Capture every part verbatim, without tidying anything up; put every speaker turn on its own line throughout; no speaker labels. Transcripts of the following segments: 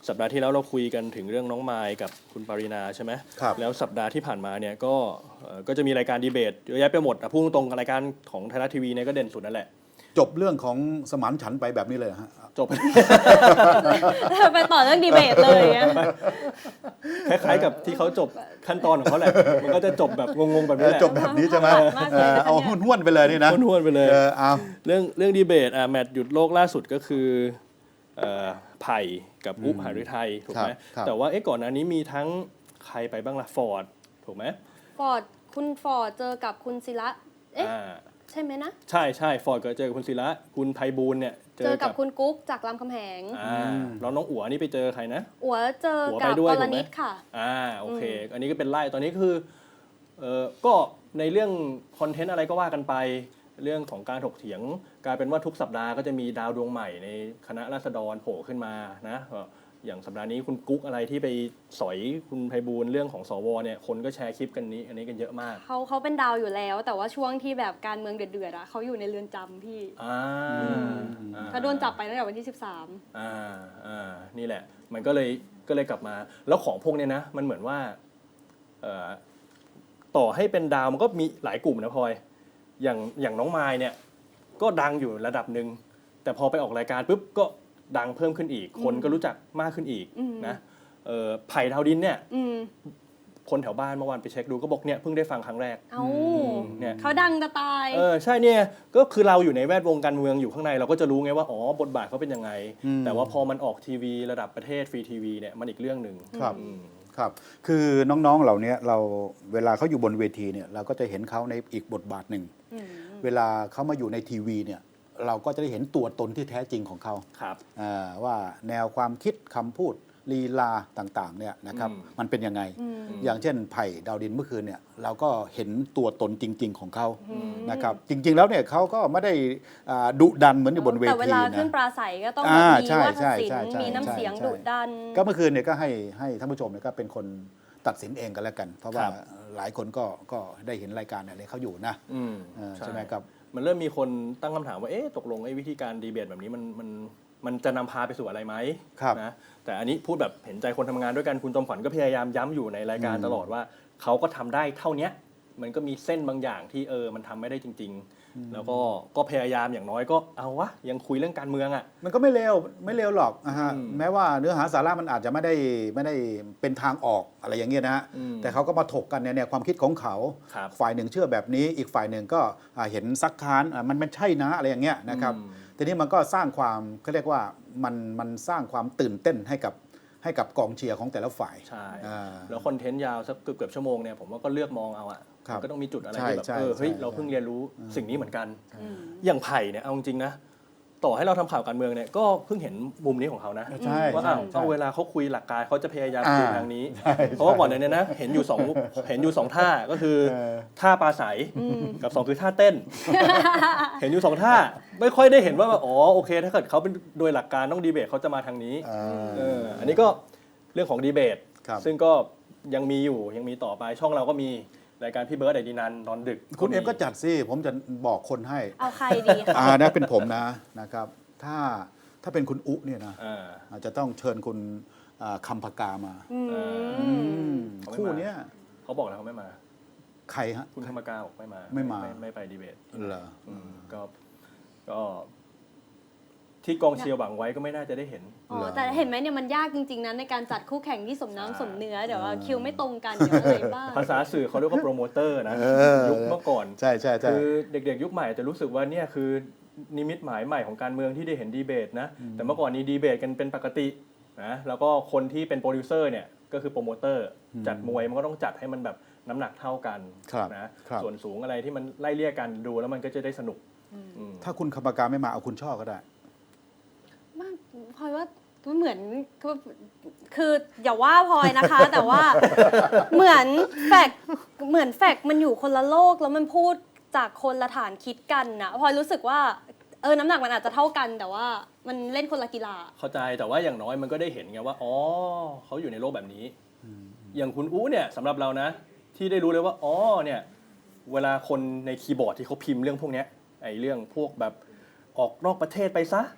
สัปดาห์ที่แล้วเราคุยกันถึงเรื่องน้องมายกับคุณปรินาใช่ไหม
ครับ
แล้วสัปดาห์ที่ผ่านมาเนี่ยก็ก็จะมีรายการดีเบตเยอะแยะไปหมดพูดตรงๆรายการของไทยรัฐทีวีเนี่ยก็เด่นสุดนั่นแหละ
จบเรื่องของสมานฉันท์ไปแบบนี้เลยฮะ
จบ
ไปต่อเรื่องดีเบตเลย
คล้ายๆกับที่เขาจบขั้นตอนของเขาแหละมันก็จะจบแบบงงๆแบบนี้แหละ
จบแบบนี้ใช่ไหมเอาห้วนๆไปเลยนี่นะ
ห้วนๆไปเลย
เอา
เรื่องเรื่องดีเบตอ่ะแมตช์หยุดโลกล่าสุดก็คือไผ่กับอุ๊บหฤทัยถูกไหมแต่ว่าเอ๊ะก่อนหน้านี้มีทั้งใครไปบ้างล่ะฟอร์ดถูกไหม
ฟอร์ดคุณฟอร์ดเจอกับคุณศิระเอ๊ะใช่ไหมนะ
ใช่ใช่ฟอร์ดก็เจอกับคุณศิระคุณไพบูลย์เนี่ย
เจอกับคุณกุ๊กจากรามคำแหง
อ่าแล้วน้องอั๋วนี่ไปเจอใครนะ
อั๋วเจอกับกรณิตค่ะ
อ่าโอเคอันนี้ก็เป็นไล่ตอนนี้คือเออก็ในเรื่องคอนเทนต์อะไรก็ว่ากันไปเรื่องของการถกเถียงกลายเป็นว่าทุกสัปดาห์ก็จะมีดาวดวงใหม่ในคณะราษฎรโผล่ขึ้นมานะอย่างสัปดาห์นี้คุณกุ๊กอะไรที่ไปสอยคุณไพบูลย์เรื่องของสวเนี่ยคนก็แชร์คลิปกันนี้อันนี้กันเยอะมาก
เขาเขาเป็นดาวอยู่แล้วแต่ว่าช่วงที่แบบการเมืองเดือดๆอ่ะเขาอยู่ในเรือนจำพี่
อ่า
เขาโดนจับไปตั้งแต่วันที่สิบสาม
อ่าอ่านี่แหละมันก็เลยก็เลยกลับมาแล้วของพวกนี้นะมันเหมือนว่าเอ่อต่อให้เป็นดาวมันก็มีหลายกลุ่มนะพลอยอย่างอย่างน้องมายเนี่ยก็ดังอยู่ระดับหนึ่งแต่พอไปออกรายการปุ๊บก็ดังเพิ่มขึ้นอีกคนก็รู้จักมากขึ้นอีกนะเอ่อไผ่ดาวดินเนี่ยคนแถวบ้านเมื่อวานไปเช็คดูก็บอกเนี่ยเพิ่งได้ฟังครั้งแรก
เอ้าเนี่ยเขาดังจะตาย
เออใช่เนี่ยก็คือเราอยู่ในแวดวงการเมืองอยู่ข้างในเราก็จะรู้ไงว่าอ๋อบทบาทเขาเป็นยังไงแต่ว่าพอมันออกทีวีระดับประเทศฟรีทีวีเนี่ยมันอีกเรื่องหนึ่ง
ครับครับคือน้องๆเหล่านี้เราเวลาเขาอยู่บนเวทีเนี่ยเราก็จะเห็นเขาในอีกบทบาทหนึ่งเวลาเขามาอยู่ในทีวีเนี่ยเราก็จะได้เห็นตัวตนที่แท้จริงของเขา
ครับ
ว่าแนวความคิดคำพูดลีลาต่างๆเนี่ยนะครับมันเป็นยังไงอย่างเช่นไผ่ดาวดินเมื่อคืนเนี่ยเราก็เห็นตัวตนจริงๆของเขานะครับจริงๆแล้วเนี่ยเขาก็ไม่ได้ดุดันเหมือนอยู่บนเวทีนะแต่เว
ลาขึ้นปราศัยก็ต้องมีวาทศิลป์มีน้ำเสียงดุดัน
ก็เมื่อคืนเนี่ยก็ให้ให้ท่านผู้ชมเนี่ยก็เป็นคนตัดสินเองกันแล้วกันเพราะว่าหลายคนก็ก็ได้เห็นรายการอะไรเขาอยู่นะใช่ไหมครับ
มันเริ่มมีคนตั้งคำถามว่าเอ๊ะตกลงไอ้วิธีการดีเบตแบบนี้มันมันมันจะนำพาไปสู่อะไรไหมนะแต่อันนี้พูดแบบเห็นใจคนทำงานด้วยกันคุณจอมขวัญก็พยายามย้ำอยู่ในรายการตลอดว่าเขาก็ทำได้เท่านี้มันก็มีเส้นบางอย่างที่เออมันทำไม่ได้จริงๆแล้วก็ก็พยายามอย่างน้อยก็เอาวะยังคุยเรื่องการเมืองอ่ะ
มันก็ไม่เลวไม่เลวหรอกนะฮะแม้ว่าเนื้อหาสาระมันอาจจะไม่ได้ไม่ได้เป็นทางออกอะไรอย่างเงี้ยนะฮะแต่เขาก็มาถกกันเนี่ยความคิดของเขาฝ่ายหนึ่งเชื่อแบบนี้อีกฝ่ายหนึ่งก็เห็นซักค้านมันไม่ใช่นะอะไรอย่างเงี้ยนะครับทีนี้มันก็สร้างความเขาเรียกว่ามันมันสร้างความตื่นเต้นให้กับให้กับกองเชียร์ของแต่ละฝ่าย
ใช่แล้วคอนเทนต์ยาวสักเกือบเกือบชั่วโมงเนี่ยผมว่าก็เลือกมองเอาอ่ะก็ต้องมีจุดอะไรที่แบบเออเฮ้ยเราเพิ่งเรียนรู้สิ่งนี้เหมือนกันอย่างไผ่เนี่ยเอาจริงๆนะต่อให้เราทำข่าวการเมืองเนี่ยก็เพิ่งเห็นมุมนี้ของเขานะว่าเอาเวลาเขาคุยหลักการเขาจะพยายามคุยทางนี้เพราะว่าก่อนเนี่ยนะเห็นอยู่สองเห็นอยู่สองท่าก็คือท่าปลาใสกับสองคือท่าเต้นเห็นอยู่สองท่าไม่ค่อยได้เห็นว่าอ๋อโอเคถ้าเกิดเขาเป็นโดยหลักการต้องดีเบตเขาจะมาทางนี้อันนี้ก็เรื่องของดีเบตซึ่งก็ยังมีอยู่ยังมีต่อไปช่องเราก็มีรายการพี่เบิร์ดไอดีนันตอนดึก
คุณเอ็มก็จัดสิผมจะบอกคนให้
เอาใครดีคะ
อ่านะเป็นผมนะนะครับถ้าถ้าเป็นคุณอุเนี่ยนะอาจจะต้องเชิญคุณคำพกามาคู่เนี้ย
เขาบอกแล้วเขาไม่มา
ใครฮะ
คุณคำพกาบอกไม่มา
ไม่มา
ไม่ไปดีเบต
เหรอ
ก็ก็ที่กองเชียร์หวังไว้ก็ไม่น่าจะได้เห็น
อ๋อแต่เห็นไหมเนี่ยมันยากจริงๆนะในการจัดคู่แข่งที่สมน้ำสมเนื้อเดี๋ยวคิวไม่ตรงกันเดี๋ยวอะไรบ้าง
ภาษาสื่อเขาเรียกว่าโปรโมเตอร์นะยุคเมื่อก่อน
ใช่ใช่ใช่
คือเด็กๆยุคใหม่จะรู้สึกว่าเนี่ยคือนิมิตหมายใหม่ของการเมืองที่ได้เห็นดีเบตนะแต่เมื่อก่อนนี้ดีเบตกันเป็นปกตินะแล้วก็คนที่เป็นโปรดิวเซอร์เนี่ยก็คือโปรโมเตอร์จัดมวยมันก็ต้องจัดให้มันแบบน้ำหนักเท่ากันนะส่วนสูงอะไรที่มันไล่เลี่ยกันดูแล้วมันก็จะได้สนุก
ถ้าคุณคำพกาไม่มาเอาคุณช่อก็ได้
พลอยว่าเหมือนคืออย่าว่าพลอยนะคะ แต่ว่าเหมือนแฟกเหมือนแฟกมันอยู่คนละโลกแล้วมันพูดจากคนละฐานคิดกันนะพลอยรู้สึกว่าเออน้ำหนักมันอาจจะเท่ากันแต่ว่ามันเล่นคนละกีฬา
เข้าใจแต่ว่าอย่างน้อยมันก็ได้เห็นไงว่าอ๋อเขาอยู่ในโลกแบบนี้อย่างคุณอู้เนี่ยสำหรับเรานะที่ได้รู้เลยว่าอ๋อเนี่ยเวลาคนในคีย์บอร์ดที่เขาพิมพ์เรื่องพวกนี้ไอ้เรื่องพวกแบบออกนอกประเทศไปซะ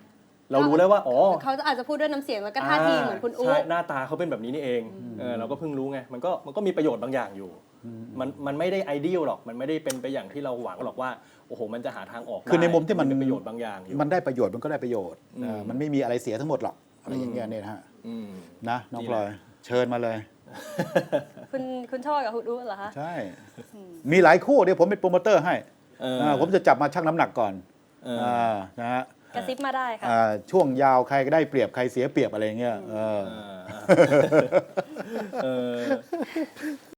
เรารู้แล้วว่าอ๋อ
เขาอาจจะพูดด้วยน้ำเสียงแล้วก็ท่าทีเหมือนคุณอุ๊
ใช่หน้าตาเขาเป็นแบบนี้นี่เองเออเราก็เพิ่งรู้ไงมันก็มันก็มีประโยชน์บางอย่างอยู่มันมันไม่ได้ไอเดียลหรอกมันไม่ได้เป็นไปอย่างที่เราหวังหรอกว่าโอ้โหมันจะหาทางออก
คือในมุมที่มัน
เป็นประโยชน์บางอย่างอยู่
มันได้ประโยชน์มันก็ได้ประโยชน์
อืม
เออมันไม่มีอะไรเสียทั้งหมดหรอกอะไรอย่างเงี้ยเนี่ยนะฮะ
อืม
นะน้อง
ดี
พลอย
นะ
เชิญมาเลย
คุณคุณชอบกับคุณอุ๊เหรอคะ
ใช่ มีหลายคู่เดี๋ยวผมเป็นโปรโมเตอร์ให้
เอออ่
าผมจะจับมาชั่งน้ำหนักก่อน
เอออ่
านะฮะ
กระซิบมาได้ค่ะ
อ่าช่วงยาวใครก็ได้เปรียบใครเสียเปรียบอะไรอย่างเงี้ยเออ
เออเออ